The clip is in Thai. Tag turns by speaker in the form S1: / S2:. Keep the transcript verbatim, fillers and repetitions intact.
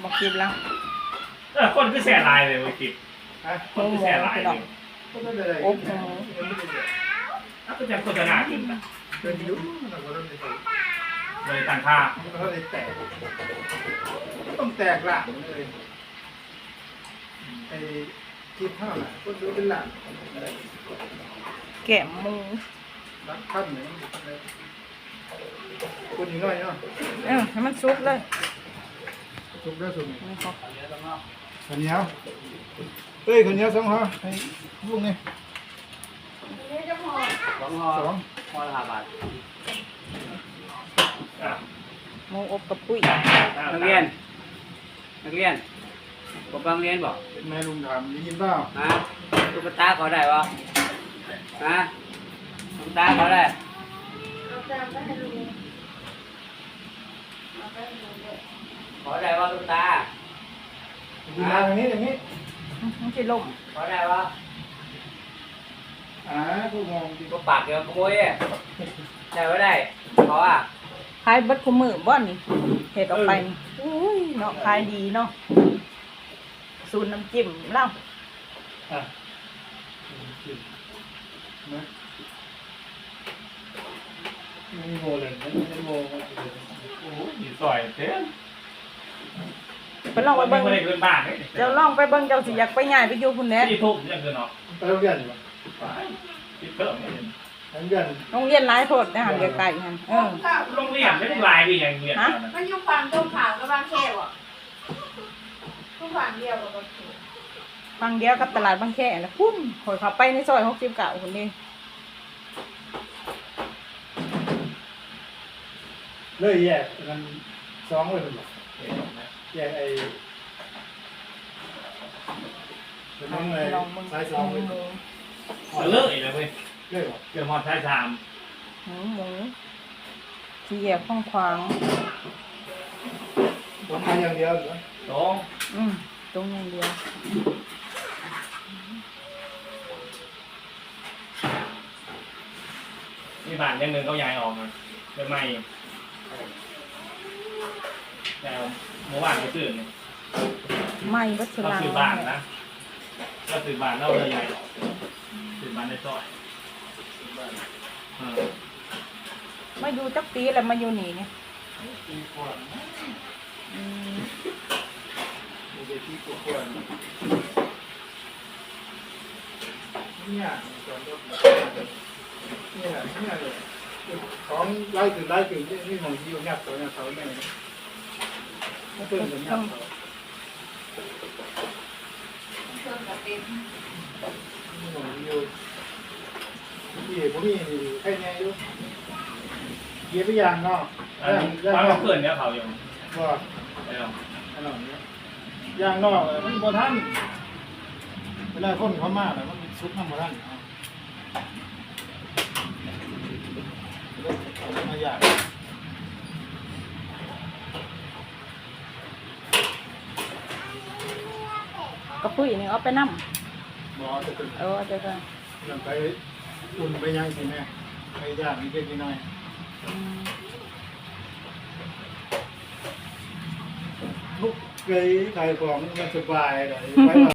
S1: บอกกินแล้ว
S2: เออคนก็แช่ลายเลยมากินคนก็แช่ลายเลย
S1: โอ้โห
S2: แล้วก็จะโฆษณากินนะเลยต่างค่า
S3: มันก็เลยแตกต้องแตกหลังเลยไอ้คิดเท่าไหร่ก็ดูเป็นหลัง
S1: แกะมู
S3: รักท่านเนี่ยคนนี้น้อยเนาะ
S1: เออให้มันซุกเลย
S3: สุกได้สุก
S1: นี่เขา
S3: ขันเหนียวเอ้ยขันเหนียวสองห่อให้ลูกนี่
S4: สองห่อสองห่อละห้าบาท
S1: หมูอบกับปุ้ย
S4: นักเรียนนักเรียนผมไปโรงเรียนบอก
S3: แม่ลุงถามได้ยินเปล่า
S4: ฮะตุ๊กตาเขาได้ปะฮะตุ๊กตาเขาได้ขอได้ปะตุ๊กตา
S3: ดีมาทางนี้ทางนี้
S1: มันจะล่ม
S4: ขอได้ปะ
S3: อ่าผู้มองดี
S4: ก็ปากเดียวขโมยได้ไม่ได้ขออ่ะ
S1: ขายบัดคุมือบ้านนี่เห็ดออกไปอุ้ยเนาะขายดีเนาะสูตรน้ำจิ้มเล่า
S2: ไม่โมเลยไม่โมโอ้ยสวยเต้
S1: ไปลองไปเบิ้งเจ้าลองไปเบิ้งเจ้าสิอยากไปง่ายไปอยู่คุณแน่
S2: ที่ทุบยังเกินเนาะ
S3: ไปโรงเรียนอยู่
S2: ไปที่เพิ่มเนี่ย
S3: โรงเรียน
S1: โรงเรียนหลายโพดนะหันไกลๆหันเออ
S2: โรงเรียนไม่ได้ลายดีอย่างเรียน
S5: มันอยู่ฝั่งตรงข้ามกับบางแคว่ะทุกฝั่งเดียวกับบางแค
S1: ฝั่งเดียวกับตลาดบางแคแล้วพุ่นข่อยเข้าไปในซอยหกสิบเก้าคนนี้
S3: เลยแยกกันสองเลยหรอแยกไอ้เป็นน้องเลยสายสองเลย
S2: เลิกอีกแล้วเว้ย
S3: เลิก
S2: เกี่ยวมอดสายสาม
S1: หมูหมูที่แยกข้องขวาง
S3: ตรงอย่างเดียวเหรอ
S2: ตรง
S1: อืมตรงอย่างเดียว
S2: มีบ้านยังหนึ่งเขาย้ายออกมาเป็นไม่แต่เมื่อวานไปซื้อเนี่ย
S1: ไม่วัช
S2: เรา
S1: รา
S2: ซื้อบ้านนะเราซื้อบ้านเราเลยใหญ่ซื้อบ้านในซอย
S1: มาอยู่จักปีแล้วมาอยู่นี่เนี่ย
S3: ปีกว่า
S1: อืม
S3: มีเด็กปีกว่าเนี่ยจอดรถเนี่ยเนี่ยเลยของไล่ถึงไล่ถึงนี่มองที่อยู่ยับตัวเนี่ยเขาเนี่ยไม่เพิ่มถึงยับเขา
S5: เพิ่มกับเต็ม
S3: นี่มองที่อยู่ที่ผมมีใครเนี่ยอยู่เยี่ยมอย่างเนาะ
S2: ตอนเราเกิดเนี่ยเขาอย่าง
S3: ว่าขนมนี้ย่างนอกมันบ่ทันเวลาคนเขามากเลยมันซุปน้ำบ่ทันมาย่าง
S1: กระปุ้ยนี่เอาไปนั่ม
S3: บ่จะเป็น
S1: เออจะกัน
S3: ยังไปอุ่นไปย่างสิแม่ไปย่างนิดเล็กน้อยลูกเคยขายของมันสบายเลย